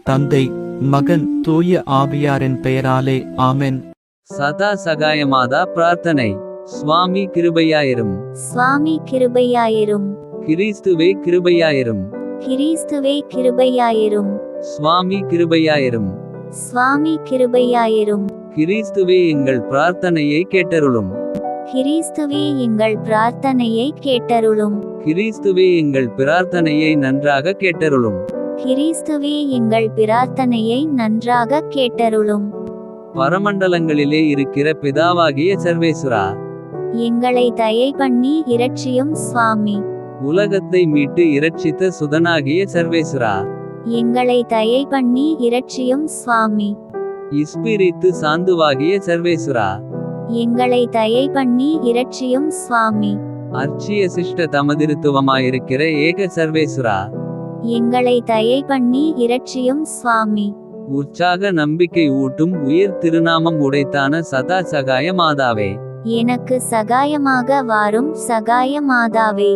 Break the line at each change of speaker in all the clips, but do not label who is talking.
தந்தை, மகன், தூய ஆவியாரின் பெயராலே ஆமென்.
சதா சகாயமாதா பிரார்த்தனை. சுவாமி கிருபையாயிரும்.
சுவாமி கிருபையாயிரும்.
கிறிஸ்துவே கிருபையாயிரும்.
கிறிஸ்துவே கிருபையாயிரும்.
சுவாமி கிருபையாயிரும்.
சுவாமி கிருபையாயிரும்.
கிறிஸ்துவே எங்கள் பிரார்த்தனையை கேட்டருளும்.
கிறிஸ்துவே எங்கள் பிரார்த்தனையை கேட்டருளும்.
கிறிஸ்துவே எங்கள் பிரார்த்தனையை நன்றாக கேட்டருளும்.
கிறிஸ்துவே எங்கள் பிரார்த்தனையை நன்றாக கேட்டருளும்.
பரமண்டலங்களிலே இருக்கிற பிதாவாகிய சர்வேசுரா,
எங்களை தயை பண்ணி இரட்சியும் சுவாமி.
உலகத்தை மீட்டு இரட்சித்த சுதனாகிய சர்வேசுரா,
எங்களை தயை பண்ணி இரட்சியும் சுவாமி.
இஸ்பிரித்து சாந்துவாகிய சர்வேசுரா,
எங்களை தயை பண்ணி இரட்சியும் சுவாமி.
அர்ச்சிய சிஷ்ட தமதிருத்துவமாயிருக்கிற ஏக சர்வேசுரா,
எங்களை தயை பண்ணி இரட்சியும் சுவாமி.
உற்சாக நம்பிக்கை ஊட்டும் உயிர் திருநாமம் உடைத்தான சதா சகாய மாதாவே,
எனக்கு சகாயமாக வாரும் சகாய மாதாவே.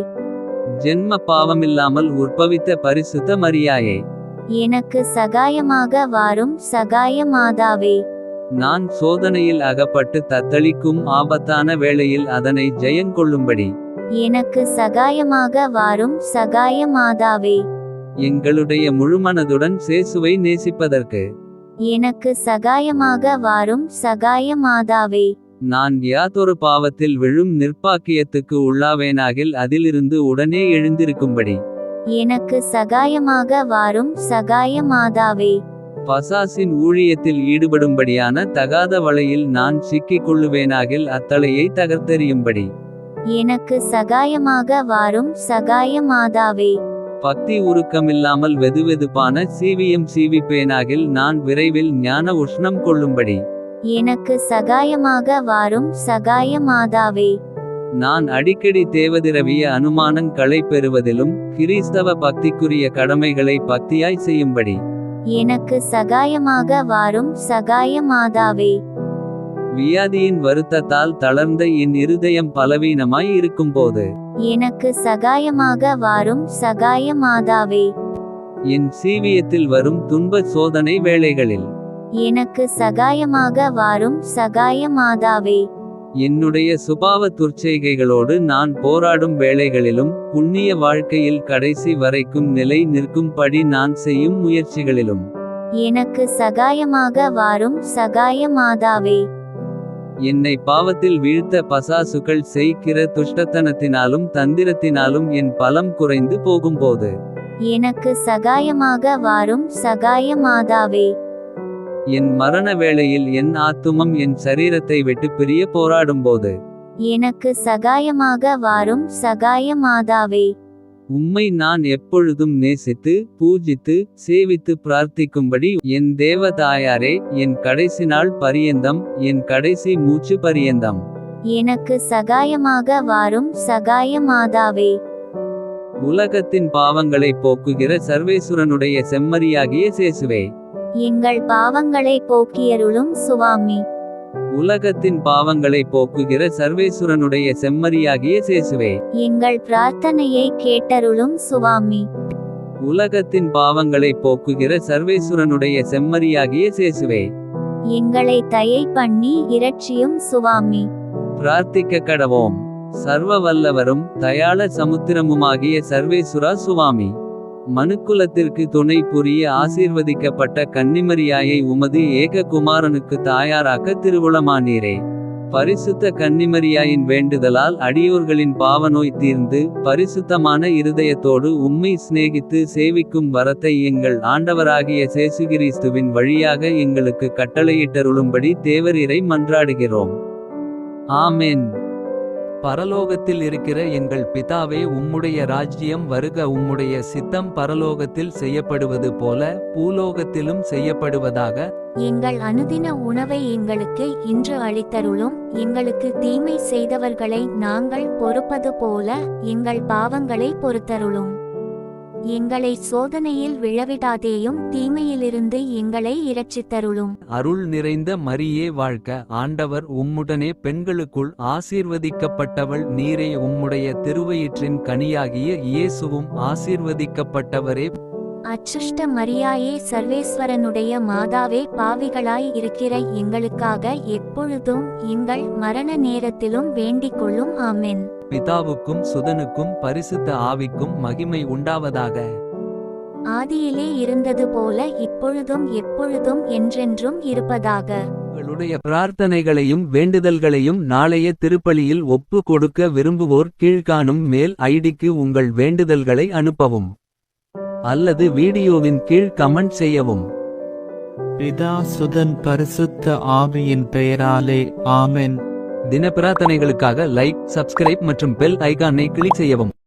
ஜென்ம பாவமில்லாமல் உற்பவித்த பரிசுத்த மரியாயே,
எனக்கு சகாயமாக வாரும் சகாய மாதாவே.
நான் சோதனையில் அகப்பட்டு தத்தளிக்கும் ஆபத்தான வேளையில் அதனை ஜெயங்கொள்ளும்படி
எனக்கு சகாயமாக வாரும் சகாய மாதாவே.
எங்களுடைய முழுமனதுடன் சேசுவை நேசிப்பதற்கு
எனக்கு சகாயமாக வாரும் சகாய மாதாவே.
நான் யாதொரு பாவத்தில் விழும் நிர்பாக்கியத்துக்கு உள்ளாவேனாகில் அதிலிருந்து உடனே எழுந்திருக்கும்படி
எனக்கு சகாயமாக வாரும் சகாய மாதாவே.
பசாசின் ஊழியத்தில் ஈடுபடும்படியான தகாத வலையில் நான் சிக்கிக் கொள்ளுவேனாகில் அத்தளையை தகர்த்தெறியும்படி
எனக்கு சகாயமாக வாரும் சகாய மாதாவே.
பக்தி உருக்கமில்லாமல் வெதுவெதுப்பான சீவியம் சீவிப்பேனாகில் நான் விரைவில் ஞான உஷ்ணம் கொள்ளும்படி
எனக்கு சகாயமாக வாரும் சகாய மாதாவே.
நான் அடிக்கடி தேவதிரவிய அனுமானங்களை பெறுவதிலும் கிறிஸ்தவ பக்திக்குரிய கடமைகளை பக்தியாய் செய்யும்படி
எனக்கு சகாயமாக வாரும் சகாய மாதாவே.
வியாதியின் வருத்தத்தால் தளர்ந்த என் இருதயம் பலவீனமாய் இருக்கும்போது
எனக்கு சகாயமாக வாரும் சகாய மாதாவே.
என் சீவியத்தில் வரும் துன்ப சோதனை வேளைகளில்
எனக்கு சகாயமாக வாரும் சகாய மாதாவே.
என்னுடைய சுபாவ துர்ச்செய்கைகளோடு நான் போராடும் வேளைகளிலும் புண்ணிய வாழ்க்கையில் கடைசி வரைக்கும் நிலை நிற்கும்படி நான் செய்யும் முயற்சிகளிலும்
எனக்கு சகாயமாக வாரும் சகாய மாதாவே.
என்னை பாவத்தில் வீழ்த்த பசாசுகள் செய்கிற துஷ்டத்தனத்தினாலும் தந்திரத்தினாலும் என் பலம் குறைந்து போகும்போது
எனக்கு சகாயமாக வாரும் சகாய மாதாவே.
என் மரண வேளையில் என் ஆத்துமம் என் சரீரத்தை விட்டு பிரிய போராடும்போது
எனக்கு சகாயமாக வாரும் சகாய மாதாவே.
உம்மை நான் எப்பொழுதும் நேசித்து பூஜித்து சேவித்து பிரார்த்திக்கும்படி என் தேவ தாயாரே, என் கடைசி நாள் பரியந்தம், என் கடைசி மூச்சு பரியந்தம்
எனக்கு சகாயமாக வாரும் சகாய மாதாவே.
உலகத்தின் பாவங்களை போக்குகிற சர்வேசுரனுடைய செம்மறியாகிய சேசுவே,
எங்கள் பாவங்களை போக்கியருளும் சுவாமி.
உலகத்தின் பாவங்களை போக்குகிற சர்வேசுரனுடைய செம்மறியாகிய சேசுவே,
எங்கள் பிரார்த்தனையை கேட்டருளும் சுவாமி.
உலகத்தின் பாவங்களை போக்குகிற சர்வேசுரனுடைய செம்மறியாகிய சேசுவே,
எங்களை தயை பண்ணி இரட்சியும் சுவாமி.
பிரார்த்திக்க கடவோம். சர்வ வல்லவரும் தயாள சமுத்திரமுமாகிய சர்வேசுரா சுவாமி, மனுக்குலத்திற்கு துணை புரிய ஆசீர்வதிக்கப்பட்ட கன்னிமரியாயை உமது ஏக குமாரனுக்கு தாயாராக்க திருவுளமானீரே. பரிசுத்த கன்னிமரியாயின் வேண்டுதலால் அடியோர்களின் பாவநோய் தீர்ந்து பரிசுத்தமான இருதயத்தோடு உம்மை சிநேகித்து சேவிக்கும் வரத்தை எங்கள் ஆண்டவராகிய சேசுகிறிஸ்துவின் வழியாக எங்களுக்கு கட்டளையிட்டருளும்படி தேவரீரை மன்றாடுகிறோம். ஆமென்.
பரலோகத்தில் இருக்கிற எங்கள் பிதாவே, உம்முடைய ராஜ்யம் வருக. உம்முடைய சித்தம் பரலோகத்தில் செய்யப்படுவது போல பூலோகத்திலும் செய்யப்படுவதாக.
எங்கள் அனுதின உணவை எங்களுக்கு இன்று அளித்தருளும். எங்களுக்கு தீமை செய்தவர்களை நாங்கள் பொறுப்பது போல எங்கள் பாவங்களை பொறுத்தருளும். எங்களை சோதனையில் விழவிடாதேயும் தீமையிலிருந்து எங்களை இரட்சித்தருளும்.
அருள் நிறைந்த மரியே வாழ்க, ஆண்டவர் உம்முடனே பெண்களுக்குள் ஆசீர்வதிக்கப்பட்டவள் நீரே. உம்முடைய திருவயிற்றின் கனியாகிய இயேசுவும் ஆசீர்வதிக்கப்பட்டவரே.
அச்சுஷ்ட மரியாயே சர்வேஸ்வரனுடைய மாதாவே பாவிகளாய் இருக்கிற எங்களுக்காக எப்பொழுதும் எங்கள் மரண நேரத்திலும் வேண்டிக் கொள்ளும் ஆமென்.
பிதாவுக்கும் சுதனுக்கும் பரிசுத்த ஆவிக்கும் மகிமை உண்டாவதாக.
ஆதியிலே இருந்தது போல இப்பொழுதும் எப்பொழுதும் என்றென்றும் இருப்பதாக.
உங்களுடைய பிரார்த்தனைகளையும் வேண்டுதல்களையும் நாளைய திருப்பலியில் ஒப்பு கொடுக்க விரும்புவோர் கீழ்காணும் மெயில் ஐடிக்கு உங்கள் வேண்டுதல்களை அனுப்பவும் அல்லது வீடியோவின் கீழ் கமெண்ட் செய்யவும்.
பிதா சுதன் பரிசுத்த ஆவியின் பெயராலே ஆமென்.
தின பிரார்த்தனைகளுக்காக லைக், சப்ஸ்கிரைப் மற்றும் பெல் ஐகானை கிளிக் செய்யவும்.